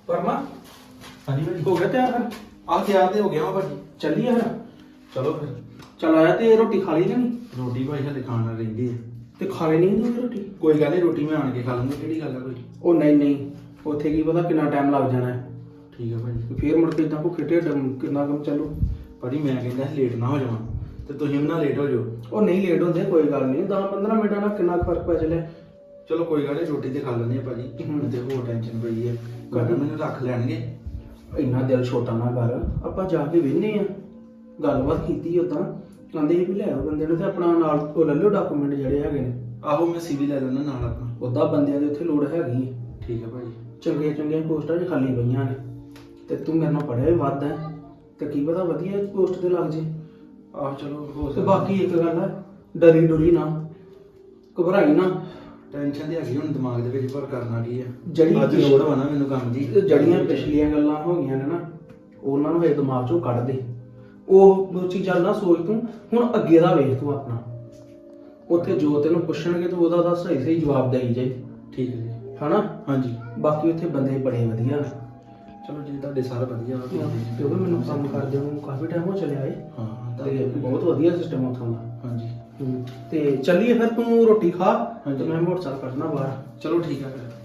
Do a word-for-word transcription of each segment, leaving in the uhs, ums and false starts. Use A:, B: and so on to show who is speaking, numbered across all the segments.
A: ਪਰਮਾ
B: ਹਾਂਜੀ ਭਾਜੀ
A: ਹੋ ਗਿਆ ਤਿਆਰ ਫਿਰ?
B: ਆ ਤਿਆਰ ਤੇ ਹੋ ਗਿਆ ਵਾ ਭਾਜੀ।
A: ਚੱਲੀਏ ਫਿਰ।
B: ਚਲੋ ਫਿਰ।
A: ਚੱਲ ਆਇਆ ਤੇ ਰੋਟੀ ਖਾ ਲਈ ਜਾਂ ਨਹੀਂ?
B: ਰੋਟੀ ਭਾਈ ਹਲੇ ਖਾਣ ਨਾਲ ਰਹਿੰਦੀ ਹੈ।
A: ਤੇ ਖਾ ਲਈ ਨਹੀਂ ਤੂੰ ਰੋਟੀ?
B: ਕੋਈ ਗੱਲ ਨਹੀਂ, ਰੋਟੀ ਮੈਂ ਆਣ ਕੇ ਖਾ ਲੂੰਗਾ। ਕਿਹੜੀ ਗੱਲ ਆ ਕੋਈ?
A: ਉਹ ਨਹੀਂ ਨਹੀਂ, ਉੱਥੇ ਕੀ ਪਤਾ ਕਿੰਨਾ ਟਾਈਮ ਲੱਗ ਜਾਣਾ ਹੈ।
B: ਠੀਕ ਹੈ ਭਾਜੀ।
A: ਫੇਰ ਮੁੜ ਕੇ ਇਦਾਂ ਭੁੱਖੇ ਢਿੱਡ ਕਿੰਨਾ ਕੰਮ ਚੱਲੂ।
B: ਭਾਜੀ ਮੈਂ ਕਹਿੰਦਾ ਲੇਟ ਨਾ ਹੋ ਜਾਵਾਂ ਤੇ ਤੁਸੀਂ ਵੀ ਨਾ ਲੇਟ ਹੋ ਜਾਓ।
A: ਉਹ ਨਹੀਂ ਲੇਟ ਹੁੰਦੇ, ਕੋਈ ਗੱਲ ਨਹੀਂ। ਦਸ ਪੰਦਰਾਂ ਮਿੰਟਾਂ ਨਾਲ ਕਿੰਨਾ ਕੁ ਫਰਕ ਪੈ ਚੱਲਿਆ।
B: ਚਲੋ ਕੋਈ ਗੱਲ ਨਹੀਂ, ਰੋਟੀ ਤੇ ਖਾ ਲੈਂਦੇ ਆ ਭਾਜੀ।
A: ਹੂੰ।
B: ਤੇ ਹੋਰ ਟੈਨਸ਼ਨ ਪਈ ਹੈ, ਕੱਲ ਮੈਨੂੰ ਰੱਖ ਲੈਣਗੇ।
A: ਇੰਨਾ ਦਿਲ ਛੋਟਾ ਨਾ ਕਰ, ਆਪਾਂ ਜਾ ਕੇ ਵੇਖਨੇ ਆ। ਗੱਲਬਾਤ ਕੀਤੀ ਉਦਾਂ ਕਹਿੰਦੇ ਸੀ ਵੀ ਲੈ ਆਓ ਬੰਦੇ ਨੂੰ ਤੇ ਆਪਣਾ ਨਾਲ ਉਹ ਲੈ ਲਿਓ ਡਾਕੂਮੈਂਟ ਜਿਹੜੇ ਹੈਗੇ ਨੇ।
B: ਆਹੋ ਮੈਂ ਸੀਵੀ ਲੈ ਲੈਣਾ ਨਾਲ ਆਪਣਾ।
A: ਉਦਾਂ ਬੰਦਿਆਂ ਦੇ ਉੱਥੇ ਲੋੜ ਹੈਗੀ ਹੈ।
B: ਠੀਕ ਹੈ ਭਾਜੀ।
A: ਚੰਗੀਆਂ ਚੰਗੀਆਂ ਪੋਸਟਾਂ 'ਚ ਖਾਲੀ ਪਈਆਂ ਨੇ ਤੇ ਤੂੰ ਮੇਰੇ ਨਾਲ ਪੜ੍ਹਿਆ ਵੀ ਵੱਧ ਹੈ ਤੇ ਕੀ ਪਤਾ ਵਧੀਆ ਪੋਸਟ ਤੇ ਲੱਗ ਜੇ।
B: ਆਹੋ ਚਲੋ ਹੋ
A: ਤੇ
B: ਸਕਦਾ।
A: ਬਾਕੀ ਇੱਕ ਗੱਲ ਹੈ, ਡਰੀ ਡੁਰੀ ਨਾ, ਘਬਰਾਈ ਨਾ।
B: ਟੈਨਸ਼ਨ ਤੇ ਹੈਗੀ ਹੁਣ ਦਿਮਾਗ ਦੇ ਵਿੱਚ, ਪਰ ਕਰਨਾ ਕੀ ਹੈ।
A: ਜਿਹੜੀ
B: ਅੱਜ ਲੋੜ ਵਾ ਨਾ ਮੈਨੂੰ ਕੰਮ ਦੀ।
A: ਤੇ ਜਿਹੜੀਆਂ ਪਿਛਲੀਆਂ ਗੱਲਾਂ ਹੋ ਗਈਆਂ ਨੇ ਨਾ, ਉਹਨਾਂ ਨੂੰ ਹਜੇ ਦਿਮਾਗ 'ਚੋਂ ਕੱਢ ਦੇ। ਉਹ ਉਹ ਚੀਜ਼ਾਂ ਨਾ ਸੋਚ ਤੂੰ, ਹੁਣ ਅੱਗੇ ਦਾ ਵੇਖ ਤੂੰ ਆਪਣਾ। ਉੱਥੇ ਜੋ ਤੈਨੂੰ ਪੁੱਛਣਗੇ ਤੂੰ ਉਹਦਾ ਦਾ ਸਹੀ ਸਹੀ ਜਵਾਬ ਦੇਈ ਜਾਈ।
B: ਠੀਕ ਹੈ ਜੀ।
A: ਹਨਾ?
B: ਹਾਂਜੀ।
A: ਬਾਕੀ ਉੱਥੇ ਬੰਦੇ ਬੜੇ ਵਧੀਆ ਨੇ।
B: ਚਲੋ ਜੀ ਤੁਹਾਡੇ ਸਾਰੇ ਵਧੀਆ ਵਾ।
A: ਕਿਉਂਕਿ ਮੈਨੂੰ ਕੰਮ ਕਰਦੇ ਨੂੰ ਕਾਫੀ ਟਾਈਮ ਹੋ ਚੱਲਿਆ ਏ
B: ਹਾਂ
A: ਤੇ ਬਹੁਤ ਵਧੀਆ ਸਿਸਟਮ ਉੱਥੋਂ ਦਾ।
B: ਹਾਂਜੀ।
A: ਹੂੰ। ਤੇ ਚੱਲੀਏ ਫਿਰ, ਤੂੰ ਰੋਟੀ ਖਾ
B: ਹਾਂਜੀ।
A: ਤੇ ਮੈਂ ਮੋਟਰਸਾਈਕਲ ਕੱਢਣਾ ਬਾਹਰ।
B: ਚਲੋ ਠੀਕ ਹੈ ਫਿਰ।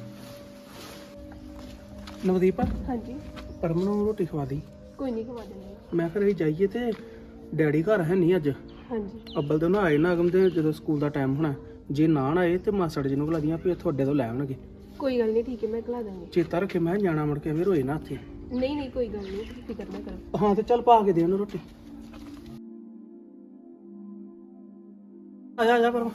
A: ਨਵਦੀਪ,
C: ਹਾਂਜੀ,
A: ਪਰਮ ਨੂੰ ਰੋਟੀ ਖਵਾ ਦੀ।
C: ਕੋਈ ਨਹੀਂ ਖਵਾ ਦਿੰਦੀ।
A: ਮੈਂ ਘਰੇ ਜਾਈਏ ਤੇ ਡੈਡੀ ਘਰ ਹੈ ਨਹੀਂ ਅੱਜ।
C: ਹਾਂਜੀ,
A: ਅੱਬਲ ਤੇ ਨਾ ਆਏ ਨਾ ਅਗਮ ਤੇ ਜਦੋਂ ਸਕੂਲ ਦਾ ਟਾਈਮ ਹੋਣਾ। ਜੇ ਨਾ ਨਾ ਆਏ ਤੇ ਮਾਸੜ ਜੀ ਨੂੰ ਬੁਲਾ ਦੀਆਂ ਵੀ ਤੁਹਾਡੇ ਤੋਂ ਲੈ ਆਉਣਗੇ।
C: ਕੋਈ ਗੱਲ ਨਹੀਂ, ਠੀਕ ਹੈ, ਮੈਂ ਖਲਾ ਦਾਂਗੀ।
A: ਚੇਤਾ ਰੱਖੇ, ਮੈਂ ਕਿਹਾ ਜਾਣਾ ਮੁੜ ਕੇ ਫਿਰ ਹੋਏ ਨਾ ਇੱਥੇ।
C: ਨਹੀਂ ਨਹੀਂ, ਕੋਈ ਗੱਲ ਨਹੀਂ, ਤੁਸੀਂ ਫਿਕਰ ਨਾ ਕਰੋ।
A: ਹਾਂ ਤੇ ਚੱਲ ਪਾ ਕੇ ਦੇ ਉਹਨੂੰ ਰੋਟੀ। ਆ ਜਾ ਆ ਜਾ ਪਰਮ।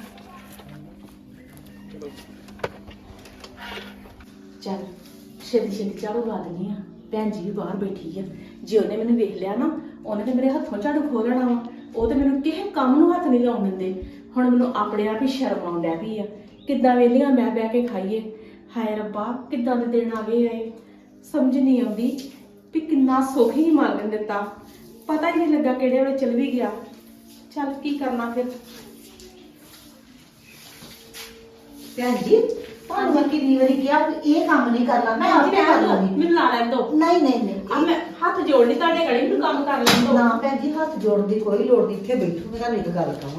D: ਚੱਲ ਛੇਤੀ ਛੇਤੀ ਝਾੜੂ ਲਾ ਦਿੰਦੀ ਆ। ਭੈਣ ਜੀ ਵੀ ਬਾਹਰ ਬੈਠੀ ਆ। ਜੇ ਉਹਨੇ ਮੈਨੂੰ ਵੇਖ ਲਿਆ ਨਾ, ਉਹਨੇ ਤੇ ਮੇਰੇ ਹੱਥੋਂ ਝਾੜੂ ਖੋਹ ਲੈਣਾ ਵਾ। ਉਹ ਤੇ ਮੈਨੂੰ ਕਿਸੇ ਕੰਮ ਨੂੰ ਹੱਥ ਨਹੀਂ ਲਾਉਣ ਦਿੰਦੇ। ਹੁਣ ਮੈਨੂੰ ਆਪਣੇ ਆਪ ਹੀ ਸ਼ਰਮ ਆਉਣ ਡੈ ਪਈ ਆ। ਕਿੱਦਾਂ ਵੇਲੀਆਂ ਮੈਂ ਬਹਿ ਕੇ ਖਾਈਏ। ਹਾਏ ਰੱਬਾ, ਕਿੱਦਾਂ ਦੇ ਦਿਨ ਆ ਗਏ ਆਏ। ਸਮਝ ਨਹੀਂ ਆਉਂਦੀ ਵੀ ਕਿੰਨਾ ਸੁੱਖ ਹੀ ਮਾਲਕ ਨੇ ਦਿੱਤਾ। ਪਤਾ ਹੀ ਨਹੀਂ ਲੱਗਾ ਕਿਹੜੇ ਵੇਲੇ ਚਲ ਵੀ ਗਿਆ। ਚੱਲ ਕੀ ਕਰਨਾ ਫਿਰ।
E: ਭੈਣ ਜੀ, ਤੁਹਾਨੂੰ ਮੈਂ ਕਿੰਨੀ ਵਾਰੀ ਕਿਹਾ ਕਿ ਇਹ ਕੰਮ ਨਹੀਂ ਕਰਨਾ, ਮੈਂ ਆਪੇ ਕਰ ਲਾਂਗੀ।
D: ਮੈਨੂੰ ਲਾ ਲੈਣ ਦੋ।
E: ਨਹੀਂ ਨਹੀਂ ਨਹੀਂ
D: ਆ ਮੈਂ ਹੱਥ ਜੋੜਨੀ ਤੁਹਾਡੇ ਗਲੇ, ਮੈਨੂੰ ਕੰਮ ਕਰ ਲੈਣ ਦੋ।
E: ਨਾ ਭੈਣ ਜੀ, ਹੱਥ ਜੋੜਨ ਦੀ ਕੋਈ ਲੋੜ ਨਹੀਂ। ਇੱਥੇ ਬੈਠੋ, ਮੈਂ ਤੁਹਾਨੂੰ ਇੱਕ ਗੱਲ ਕਹਾਂ।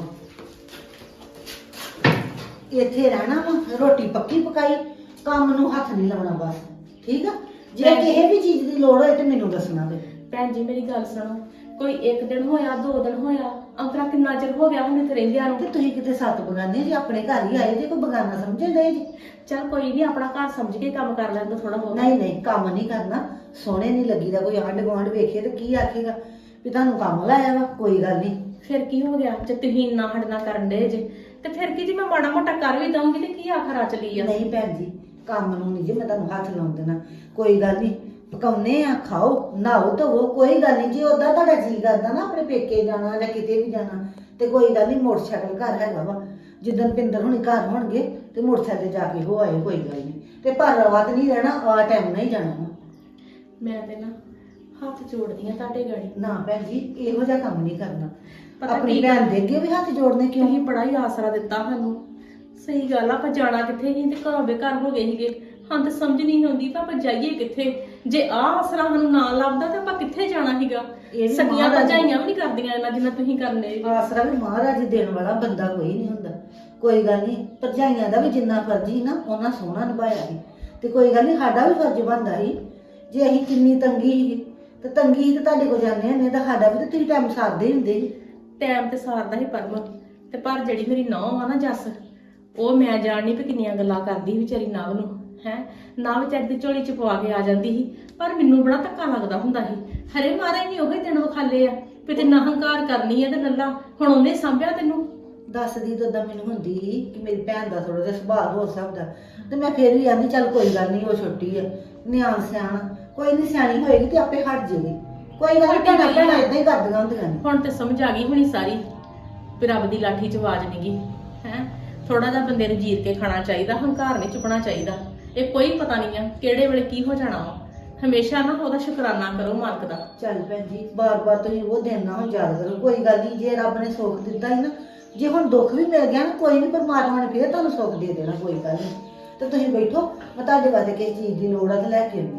E: ਇੱਥੇ ਰਹਿਣਾ ਵਾ, ਰੋਟੀ ਪੱਕੀ ਪਕਾਈ, ਕੰਮ ਨੂੰ ਹੱਥ ਨਹੀਂ ਲਾਉਣਾ ਬਸ। ਠੀਕ ਆ? ਜੇ ਕਿਸੇ ਵੀ ਚੀਜ਼ ਦੀ ਲੋੜ ਹੋਏ ਤੇ ਮੈਨੂੰ ਦੱਸਣਾ ਤੇ।
D: ਭੈਣ ਜੀ ਮੇਰੀ ਗੱਲ ਸੁਣੋ, ਕੋਈ ਇੱਕ ਦਿਨ ਹੋਇਆ, ਦੋ ਦਿਨ ਹੋਇਆ, ਅੰਤਰਾ ਕਿੰਨਾ ਚਿਰ ਹੋ ਗਿਆ ਹੁਣ ਇੱਥੇ ਰਹਿੰਦਿਆਂ ਨੂੰ।
E: ਤੇ ਤੁਸੀਂ ਕਿਤੇ ਸੱਤ ਬਗਾਨੇ ਜੀ, ਆਪਣੇ ਘਰ ਹੀ ਆਏ ਜੇ, ਕੋਈ ਬਗਾਨਾ ਸਮਝੇ ਨਹੀਂ ਜੀ।
D: ਚੱਲ ਕੋਈ ਨਹੀਂ, ਆਪਣਾ ਘਰ ਸਮਝ ਕੇ ਕੰਮ ਕਰ ਲੈਂਦਾ ਥੋੜਾ ਬਹੁਤ।
E: ਨਹੀਂ ਨਹੀਂ, ਕੰਮ ਨਹੀਂ ਕਰਨਾ। ਸੋਹਣੇ ਨਹੀਂ ਲੱਗੀਦਾ। ਕੋਈ ਆਂਢ ਗੁਆਂਢ ਵੇਖੇ ਤੇ ਕੀ ਆਖੇਗਾ ਵੀ ਤੁਹਾਨੂੰ ਕੰਮ ਲਾਇਆ ਵਾ। ਕੋਈ ਗੱਲ ਨਹੀਂ।
D: ਫਿਰ ਕੀ ਹੋ ਗਿਆ ਜੇ ਤੁਸੀਂ ਇੰਨਾ ਹੜਨਾ ਕਰਨ ਦੇ ਜੇ, ਤੇ ਫਿਰ ਕੀ ਜੀ ਮੈਂ ਮਾੜਾ ਮੋਟਾ ਕਰ ਵੀ ਦਊਂਗੀ ਤੇ ਕੀ ਆਖਰ ਆ ਚਲੀ ਆ।
E: ਨਹੀਂ ਭੈਣ ਜੀ, ਕੰਮ ਨੂੰ ਨਹੀਂ ਜੀ ਮੈਂ ਤੁਹਾਨੂੰ ਹੱਥ ਲਾਉਣ ਦੇਣਾ। ਕੋਈ ਗੱਲ ਨਹੀਂ, ਪਕਾਉਨੇ ਆ, ਖਾਓ, ਨਹਾਓ ਧੋਵੋ, ਕੋਈ ਗੱਲ ਨਹੀਂ। ਜੇ ਉਦਾਂ ਤੁਹਾਡਾ ਜੀ ਕਰਦਾ ਨਾ ਆਪਣੇ ਪੇਕੇ ਜਾਣਾ ਜਾਂ ਕਿਤੇ ਵੀ ਜਾਣਾ, ਤੇ ਕੋਈ ਗੱਲ ਨਹੀਂ, ਮੋਟਰਸਾਈਕਲ ਘਰ ਹੈਗਾ ਵਾ। ਜਿੱਦਣ ਪਿੰਦਰ ਹੁਣੀ ਘਰ ਹੋਣਗੇ ਤੇ ਮੋਟਰਸਾਈਕਲ ਤੇ ਜਾ ਕੇ ਹੋ ਆਏ, ਕੋਈ ਗੱਲ ਨਹੀਂ। ਤੇ ਪਰ ਰਾਤ ਨਹੀਂ ਰਹਿਣਾ, ਆ ਟਾਈਮ ਨਹੀਂ ਜਾਣਾ ਵਾ।
D: ਮੈਂ ਤੇ ਨਾ ਹੱਥ ਜੋੜਦੀ ਆ ਤੁਹਾਡੇ ਗਾੜੀ।
E: ਨਾ ਭੈਣ ਜੀ, ਇਹੋ ਜਿਹਾ ਕੰਮ ਨਹੀਂ ਕਰਨਾ।
D: ਪਤਾ
E: ਆਪਣੀ
D: ਕੀ
E: ਭੈਣ ਦੇ ਅੱਗੇ ਵੀ ਹੱਥ ਜੋੜਨੇ ਕਿਉਂ?
D: ਤੁਸੀਂ ਬੜਾ ਹੀ ਆਸਰਾ ਦਿੱਤਾ ਸਾਨੂੰ। ਸਹੀ ਗੱਲ ਆ, ਆਪਾਂ ਜਾਣਾ ਕਿੱਥੇ ਸੀ ਤੇ ਘਰੋਂ ਬੇਘਰ ਹੋ ਗਏ ਸੀਗੇ। ਹਾਂ ਤੇ ਸਮਝ ਨਹੀਂ ਆਉਂਦੀ ਤਾਂ ਆਪਾਂ ਜਾਈਏ ਕਿੱਥੇ। ਜੇ ਆਹ ਆਸਰਾ ਸਾਨੂੰ ਨਾ ਲੱਭਦਾ ਤਾਂ ਆਪਾਂ ਕਿੱਥੇ ਜਾਣਾ ਸੀਗਾ।
E: ਇਹ ਵੀ
D: ਸਕੀਆਂ
E: ਮਹਾਰਾਜ-
D: ਭਰਜਾਈਆਂ ਵੀ ਨਹੀਂ ਕਰਦੀਆਂ ਇਹਨਾਂ ਜਿੰਨਾ ਤੁਸੀਂ ਕਰਨੇ।
E: ਆਸਰਾ ਵੀ ਮਹਾਰਾਜ ਦੇਣ ਵਾਲਾ ਬੰਦਾ ਕੋਈ ਨਹੀਂ ਹੁੰਦਾ। ਕੋਈ ਗੱਲ ਨਹੀਂ, ਭਰਜਾਈਆਂ ਦਾ ਵੀ ਜਿੰਨਾ ਫਰਜ਼ ਸੀ ਨਾ, ਉਹਨਾਂ ਸੋਹਣਾ ਨਿਭਾਇਆ ਸੀ। ਤੇ ਕੋਈ ਗੱਲ ਨਹੀਂ, ਸਾਡਾ ਵੀ ਫਰਜ਼ ਬਣਦਾ ਸੀ। ਜੇ ਅਸੀਂ ਕਿੰਨੀ ਤੰਗੀ ਸੀ ਤੇ ਤੰਗੀ ਸੀ ਤੇ ਤੁਹਾਡੇ ਕੋਲ ਜਾਂਦੇ ਹੁੰਦੇ ਤਾਂ ਸਾਡਾ ਵੀ ਤੇ ਤੁਸੀਂ ਟਾਈਮ ਸਾਰਦੇ ਹੁੰਦੇ ਸੀ।
D: ਟਾਈਮ ਤੇ ਸਾਰਦਾ ਹੀ ਪਰਮ, ਤੇ ਪਰ ਜਿਹੜੀ ਮੇਰੀ ਨੌਂ ਆ ਨਾ ਜੱਸ, ਉਹ ਮੈਂ ਜਾਣਨੀ ਵੀ ਕਿੰਨੀਆਂ ਗੱਲਾਂ ਕਰਦੀ ਸੀ ਵਿਚਾਰੀ ਨਵ ਨੂੰ। ਹੈ ਨਾ ਵਿਚਾਰੀ ਦੀ ਝੋਲੀ ਚ ਪਵਾ ਕੇ ਆ ਜਾਂਦੀ ਸੀ, ਪਰ ਮੈਨੂੰ ਬੜਾ ਧੱਕਾ ਲੱਗਦਾ ਹੁੰਦਾ ਸੀ। ਹਰੇ ਮਾਰੇ ਨਹੀਂ ਉਹੀ ਦਿਨ ਵਿਖਾਲੇ ਆ ਵੀ ਤੇ ਨਾ ਹੰਕਾਰ ਕਰਨੀ ਆ ਤੇ ਲੱਲਾ ਹੁਣ ਉਹਨੇ ਸਾਂਭਿਆ ਤੈਨੂੰ।
E: ਦੱਸਦੀ ਤਾਂ ਉਦਾਂ ਮੈਨੂੰ ਹੁੰਦੀ ਸੀ ਕਿ ਮੇਰੀ ਭੈਣ ਦਾ ਥੋੜਾ ਜਿਹਾ ਸੁਭਾਅ ਹੋ ਸਕਦਾ, ਤੇ ਮੈਂ ਫਿਰ ਵੀ ਆਂਦੀ ਚੱਲ ਕੋਈ ਗੱਲ ਨਹੀਂ, ਉਹ ਛੋਟੀ ਹੈ, ਨਿਆਣ ਸਿਆਣ, ਕੋਈ ਨਹੀਂ, ਸਿਆਣੀ ਹੋਏਗੀ ਤੇ ਆਪੇ ਹਟ ਜਾਏਗੀ। ਕੋਈ ਗੱਲ ਨਹੀਂ, ਭੈਣਾਂ ਭੈਣਾਂ ਏਦਾਂ ਹੀ ਕਰਦੀਆਂ ਹੁੰਦੀਆਂ ਨੇ।
D: ਹੁਣ ਤੇ ਸਮਝ ਆ ਗਈ ਹੋਣੀ ਸਾਰੀ ਵੀ ਰੱਬ ਦੀ ਲਾਠੀ ਚ ਆਵਾਜ਼ ਨੀ ਗੀ। ਹੈ ਥੋੜਾ ਜਿਹਾ ਬੰਦੇ ਨੂੰ ਜੀਤ ਕੇ ਖਾਣਾ ਚਾਹੀਦਾ, ਹੰਕਾਰ ਨਹੀਂ ਚੁੱਕਣਾ ਚਾਹੀਦਾ। ਇਹ ਕੋਈ ਪਤਾ ਨਹੀਂ ਆ ਕਿਹੜੇ ਵੇਲੇ ਕੀ ਹੋ ਜਾਣਾ ਵਾ। ਹਮੇਸ਼ਾ ਨਾ ਉਹਦਾ ਸ਼ੁਕਰਾਨਾ ਕਰੋ ਮਾਲਕ ਦਾ।
E: ਚੱਲ ਭੈਣ ਜੀ, ਬਾਰ-ਬਾਰ ਤੁਸੀਂ ਉਹ ਦਿਨ ਨਾ ਹੁਣ ਯਾਦ ਕਰੋ। ਕੋਈ ਗੱਲ ਨਹੀਂ, ਜੇ ਰੱਬ ਨੇ ਸੁੱਖ ਦਿੱਤਾ ਹੀ ਨਾ, ਜੇ ਹੁਣ ਦੁੱਖ ਵੀ ਮਿਲ ਗਿਆ ਨਾ, ਕੋਈ ਨਹੀਂ, ਪਰਮਾਤਮਾ ਨੇ ਫੇਰ ਤੁਹਾਨੂੰ ਸੁੱਖ ਦੇ ਦੇਣਾ। ਕੋਈ ਗੱਲ ਨਹੀਂ, ਤੇ ਤੁਸੀਂ ਬੈਠੋ, ਮੈਂ ਤੁਹਾਡੇ ਵਾਸਤੇ ਕਿਸੇ ਚੀਜ਼ ਦੀ ਲੋੜ ਆ ਤੇ ਲੈ ਕੇ ਆਉਂਦੀ ਹਾਂ।